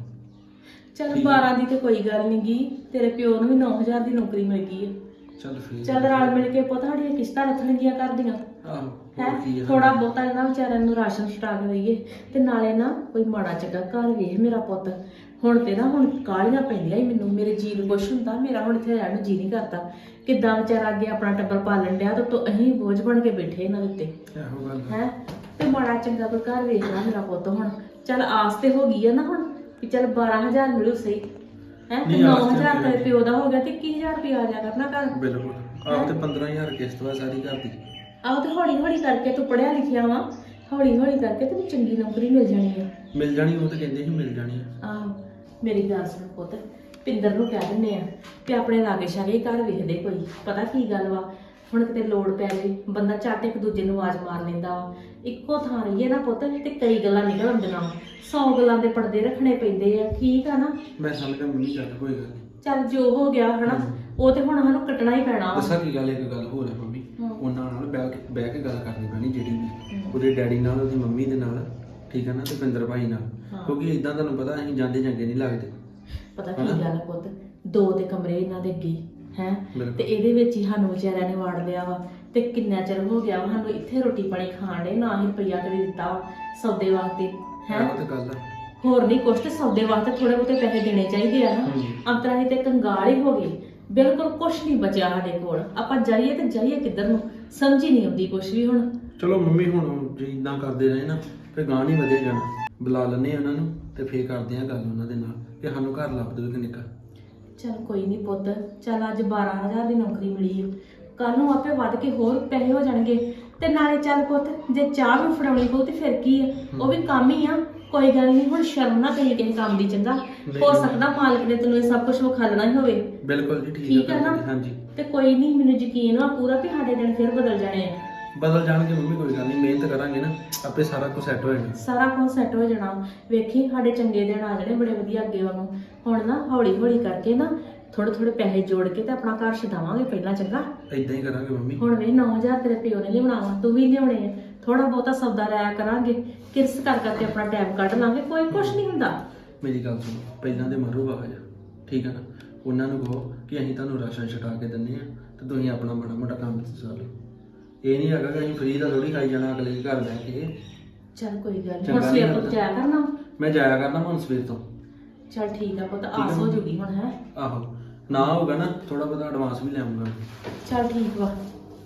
D: ਚੱਲ ਬਾਰਾਂ ਦੀ ਤੇ ਕੋਈ ਗੱਲ ਨਹੀਂ ਗੀ ਤੇਰੇ ਪਿਓ ਨੂੰ ਵੀ ਨੌ ਹਜ਼ਾਰ ਦੀ ਨੌਕਰੀ ਮਿਲ ਗਈ ਹੈ
A: ਚੱਲ ਫਿਰ
D: ਚੱਲ ਰਲ ਮਿਲ ਕੇ ਪੁੱਤ ਸਾਡੀਆਂ ਕਿਸ਼ਤਾਂ ਰੱਖਣਗੀਆਂ ਕਰਦੀਆਂ
A: ਆਹੋ
D: ਹੈ
A: ਹੋਰ ਕੀ ਆ
D: ਥੋੜਾ ਬਹੁਤਾ ਇਹਨਾਂ ਵਿਚਾਰਿਆਂ ਨੂੰ ਰਾਸ਼ਨ ਛਟਾ ਕੇ ਦਈਏ ਤੇ ਨਾਲੇ ਨਾ ਕੋਈ ਮਾੜਾ ਚੰਗਾ ਘਰ ਵੇਖ ਮੇਰਾ ਪੁੱਤ ਹੁਣ ਤੇ ਨਾ ਹੁਣ ਕਾਹਲੀਆਂ ਪੈਂਦੀਆਂ ਹੀ ਮੈਨੂੰ ਮੇਰੇ ਜੀ ਨੂੰ ਕੁਛ ਹੁੰਦਾ ਮੇਰਾ ਹੁਣ ਇੱਥੇ ਰਹਿਣ ਨੂੰ ਜੀ ਨਹੀਂ ਕਰਦਾ ਕਿੱਦਾਂ ਵਿਚਾਰਾ ਅੱਗੇ ਆਪਣਾ ਟੱਬਰ ਪਾਲਣ ਡਿਆ ਤੇ ਤੋ ਅਸੀਂ ਬੋਝ ਬਣ ਕੇ ਬੈਠੇ ਇਹਨਾਂ ਦੇ ਉੱਤੇ
A: ਇਹੋ ਗੱਲ ਆ।
D: ਹੈ ਤੇ ਮਾੜਾ ਚੰਗਾ ਕੋਈ ਘਰ ਵੇਖਣਾ ਮੇਰਾ ਪੁੱਤ ਹੁਣ ਚੱਲ ਆਸ ਤੇ ਹੋ ਗਈ ਆ ਨਾ ਹੁਣ ਵੀ ਚੱਲ ਬਾਰਾਂ ਹਜ਼ਾਰ ਮਿਲੂ ਸਹੀ ਹੈ ਤੇ
A: ਨਹੀਂ,
D: ਨੌ
A: ਆਸ ਤੇ
D: ਹਜ਼ਾਰ
A: ਹੋਈ।
D: ਤੇ ਪਿਓ ਦਾ ਹੋ ਗਿਆ ਤੇ ਇੱਕੀ ਹਜ਼ਾਰ ਰੁਪਇਆ ਆ ਜਾ ਕਰਨਾ ਘਰ
A: ਬਿਲਕੁਲ ਆਪ ਤੇ ਪੰਦਰਾਂ ਹਜ਼ਾਰ ਕਿਸ਼ਤ ਵਾ ਸਾਰੀ ਘਰ ਦੀ
D: ਆਹ ਤੇ ਹੌਲੀ ਹੌਲੀ ਕਰਕੇ ਤੂੰ ਪੜਿਆ ਲਿਖਿਆ ਵਾ ਹੌਲੀ ਹੌਲੀ ਕਰਕੇ ਤੈਨੂੰ ਚੰਗੀ ਨੌਕਰੀ ਮਿਲ ਜਾਣੀ ਆ
A: ਮਿਲ ਜਾਣੀ ਉਹ ਤੇ ਕਹਿੰਦੇ ਸੀ ਮਿਲ ਜਾਣੀ ਆ।
D: ਆਹੋ ਮੇਰੀ ਗੱਲ ਸੁਣ ਪੁੱਤ ਪਿੰਦਰ ਨੂੰ ਕਹਿ ਦਿੰਦੇ ਆ ਕਿ ਆਪਣੇ ਲਾਗੇ ਸ਼ਾਗੇ ਘਰ ਵੇਖਦੇ ਕੋਈ ਪਤਾ ਕੀ ਗੱਲ ਵਾ ਹੁਣ ਕਿਤੇ ਲੋੜ ਪੈ ਜੇ ਬੰਦਾ ਝੱਟ ਇੱਕ ਦੂਜੇ ਨੂੰ ਆਵਾਜ਼ ਮਾਰ ਲੈਂਦਾ ਵਾ ਇੱਕੋ ਥਾਂ ਰਹੀਏ ਨਾ ਪੁੱਤ ਤੇ ਕਈ ਗੱਲਾਂ ਨਿਕਲ ਆਉਂਦੀਆਂ ਸੌ ਗੱਲਾਂ ਦੇ ਪਰਦੇ ਰੱਖਣੇ ਪੈਂਦੇ ਆ ਠੀਕ ਆ ਨਾ
A: ਮੈਂ ਸਮਝ ਗਿਆ ਮੰਮੀ ਗੱਲ ਕੋਈ ਗੱਲ ਨਹੀਂ
D: ਚੱਲ ਜੋ ਹੋ ਗਿਆ ਹਨਾ ਉਹ ਤੇ ਹੁਣ ਸਾਨੂੰ ਕੱਟਣਾ ਹੀ ਪੈਣਾ ਵਾ
A: ਦੱਸਾਂ ਕੀ ਗੱਲ ਇੱਕ ਗੱਲ ਹੋਰ ਹੈ ਮੰਮੀ ਉਹਨਾਂ ਨਾਲ ਬਹਿ ਕੇ ਬਹਿ ਕੇ ਗੱਲ ਕਰਨੀ ਪੈਣੀ ਜਿਹੜੀ ਵੀ ਉਹਦੇ ਡੈਡੀ ਨਾਲ ਉਹਦੀ ਮੰਮੀ ਦੇ ਨਾਲ ਠੀਕ ਹੈ ਨਾ ਤੇ ਪਿੰਦਰ ਭਾਈ ਨਾਲ ਕਿਉਂਕਿ ਇਦਾਂ ਤੁਹਾਨੂੰ ਪਤਾ ਅਸੀਂ ਜਾਂਦੇ ਚੰਗੇ ਨਹੀਂ ਲੱਗਦੇ
D: ਪਤਾ ਕੀ ਗੱਲ ਆ ਪੁੱਤ ਦੋ ਤੇ ਕਮਰੇ ਇਹਨਾਂ ਦੇ ਅੱਗੇ ਹੈ
A: ਬਿਲਕੁਲ।
D: ਤੇ ਇਹਦੇ ਵਿੱਚ ਹੀ ਸਾਨੂੰ ਵਿਚਾਰਿਆਂ ਨੇ ਵਾੜ ਲਿਆ ਵਾ ਤੇ ਕਿੰਨਾ ਚਿਰ ਹੋ ਗਿਆ ਵਾ ਸਾਨੂੰ ਇੱਥੇ ਰੋਟੀ ਪਾਣੀ ਖਾਣ ਦੇ ਨਾ ਹੀ ਰੁਪਈਆ ਕਦੇ ਦਿੱਤਾ ਵਾ ਸੌਦੇ ਵਾਸਤੇ ਹੈ
A: ਉਹ ਤੇ ਗੱਲ ਆ
D: ਹੋਰ ਨਹੀਂ ਕੁਛ ਤੇ ਸੌਦੇ ਵਾਸਤੇ ਥੋੜੇ ਬਹੁਤੇ ਪੈਸੇ ਦੇਣੇ ਚਾਹੀਦੇ ਆ ਨਾ ਅੰਤਰਾ ਹੀ ਤੇ ਕੰਗਾਲ ਹੀ ਹੋ ਗਏ ਬਿਲਕੁਲ ਕੁਛ ਨਹੀਂ ਬਚਿਆ ਸਾਡੇ ਕੋਲ ਆਪਾਂ ਜਾਈਏ ਤੇ ਜਾਈਏ ਕਿੱਧਰ ਨੂੰ ਸਮਝ ਹੀ ਨਹੀਂ ਆਉਂਦੀ ਕੁਛ ਵੀ ਹੁਣ
A: ਚਲੋ ਮੰਮੀ ਹੁਣ ਜੇ ਇਦਾਂ ਕਰਦੇ ਰਹੇ ਨਾ ਫਿਰ ਗਾਂ ਨਹੀਂ ਵਧੇ ਜਾਣਾ ਬੁਲਾ ਲੈਂਦੇ ਆ ਉਹਨਾਂ ਨੂੰ ਤੇ ਫੇਰ ਕਰਦੇ ਆ ਗੱਲ ਉਹਨਾਂ ਦੇ ਨਾਲ ਕਿ ਸਾਨੂੰ ਘਰ ਲੱਭ ਦਿਓ ਇੱਕ ਨਿੱਕਾ
D: ਚੱਲ ਕੋਈ ਨਹੀਂ ਪੁੱਤ ਚੱਲ ਅੱਜ ਬਾਰਾਂ ਹਜ਼ਾਰ ਦੀ ਨੌਕਰੀ ਮਿਲੀ ਆ ਕੱਲ ਨੂੰ ਆਪੇ ਵੱਧ ਕੇ ਹੋਰ ਪੈਸੇ ਹੋ ਜਾਣਗੇ ਤੇ ਨਾਲੇ ਚੱਲ ਪੁੱਤ ਜੇ ਚਾਹ ਵੀ ਫੜਾਉਣੀ ਪਊ ਤੇ ਫਿਰ ਕੀ ਆ ਉਹ ਵੀ ਕੰਮ ਹੀ ਆ ਕੋਈ ਗੱਲ ਨਹੀਂ ਹੁਣ ਸ਼ਰਮ ਨਾ ਕਰੀ ਕਿਸੇ ਕੰਮ ਦੀ ਚੰਗਾ ਹੋ ਸਕਦਾ ਮਾਲਕ ਨੇ ਤੈਨੂੰ ਇਹ ਸਭ ਕੁਝ ਵਿਖਾਲਣਾ ਹੀ ਹੋਵੇ
A: ਬਿਲਕੁਲ ਜੀ ਠੀਕ
D: ਠੀਕ
A: ਹੈ
D: ਆ ਨਾ
A: ਹਾਂਜੀ
D: ਤੇ ਕੋਈ ਨਹੀਂ ਮੈਨੂੰ ਯਕੀਨ ਆ ਪੂਰਾ ਵੀ ਸਾਡੇ ਦਿਨ ਫਿਰ ਬਦਲ ਜਾਣੇ ਆ
A: ਬਦਲ ਜਾਣਗੇ ਮੰਮੀ ਕੋਈ ਗੱਲ ਨਹੀਂ ਮਿਹਨਤ ਕਰਾਂਗੇ ਨਾ ਆਪੇ ਸਾਰਾ ਕੁਝ ਸੈੱਟ ਹੋ ਜਾਣਾ
D: ਸਾਰਾ ਕੁਝ ਸੈੱਟ ਹੋ ਜਾਣਾ ਵੇਖੀ ਸਾਡੇ ਚੰਗੇ ਦਿਨ ਆ ਜਾਣੇ ਬੜੇ ਵਧੀਆ ਅੱਗੇ ਉਹਨੂੰ ਹੁਣ ਨਾ ਹੌਲੀ ਹੌਲੀ ਕਰਕੇ ਨਾ ਥੋੜੇ ਥੋੜੇ ਪੈਸੇ ਜੋੜ ਕੇ ਤੇ ਆਪਣਾ ਘਰ ਛਡਾਵਾਂਗੇ ਪਹਿਲਾਂ ਚੰਗਾ
A: ਇਦਾਂ ਹੀ ਕਰਾਂਗੇ ਮੰਮੀ
D: ਹੁਣ ਵੇ ਨੌ ਹਜ਼ਾਰ ਤੇਰੇ ਪਿਓ ਨੇ ਲਿਆਉਣਾ ਵਾ ਤੂੰ ਵੀ ਲਿਆਉਣੇ ਆ ਥੋੜਾ ਬਹੁਤਾ ਸੌਦਾ ਰਾਇਆ ਕਰਾਂਗੇ ਕਿਰਸ ਕਰ ਕਰਕੇ ਆਪਣਾ ਟਾਈਮ ਕੱਢ ਲਾਂਗੇ ਕੋਈ ਕੁਛ ਨਹੀਂ ਹੁੰਦਾ
A: ਮੇਰੀ ਗੱਲ ਸੁਣੋ ਪਹਿਲਾਂ ਦੇ ਮਾਰੋ ਬਾਹਰ ਠੀਕ ਹੈ ਨਾ ਉਹਨਾਂ ਨੂੰ ਕਹੋ ਕਿ ਅਸੀਂ ਤੁਹਾਨੂੰ ਰਾਸ਼ਨ ਛਟਾ ਕੇ ਦਿੰਨੇ ਆ ਤੇ ਤੁਸੀਂ ਆਪਣਾ ਮਾੜਾ ਮੋਟਾ ਕੰਮ ਚਲਾ ਲਓ ਇਹ ਨਹੀਂ ਹੈਗਾ ਕਿ ਅਸੀਂ ਫ੍ਰੀ ਦਾ ਥੋੜੀ ਖਾਈ ਜਾਣਾ ਅਗਲੇ ਦੇ ਘਰ ਬਹਿ ਕੇ
D: ਚੱਲ ਕੋਈ ਗੱਲ ਨਹੀਂ
A: ਚੰਗਾ
D: ਹੁਣ
A: ਨੀ
D: ਸਵੇਰ ਤੋਂ
A: ਲੱਗਦਾ।
D: ਜਾਇਆ ਕਰਨਾ
A: ਮੈਂ ਜਾਇਆ ਕਰਨਾ ਹੁਣ ਸਵੇਰ ਤੋਂ
D: ਚੱਲ ਠੀਕ ਆ ਪੁੱਤ
A: ਆ
D: ਆਸ ਹੋ
A: ਮੰਮੀ।
D: ਜੂਗੀ ਹੁਣ ਹੈ
A: ਆਹੋ ਨਾ ਹੋਊਗਾ ਨਾ ਥੋੜਾ ਬਹੁਤਾ ਐਡਵਾਂਸ ਵੀ ਲੈ ਆਉਂਗਾ
D: ਚੱਲ ਠੀਕ ਵਾ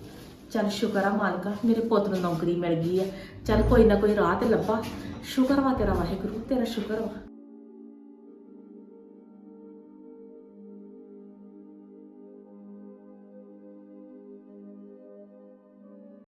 D: ਚੱਲ ਸ਼ੁਕਰ ਆ ਮਾਲਕਾ ਮੇਰੇ ਪੁੱਤ ਨੂੰ ਨੌਕਰੀ ਮਿਲ ਗਈ ਆ ਚੱਲ ਕੋਈ ਨਾ ਕੋਈ ਰਾਹ ਤੇ ਲੱਭਾ ਸ਼ੁਕਰ ਵਾ ਤੇਰਾ ਵਾਹਿਗੁਰੂ ਤੇਰਾ ਸ਼ੁਕਰ ਵਾ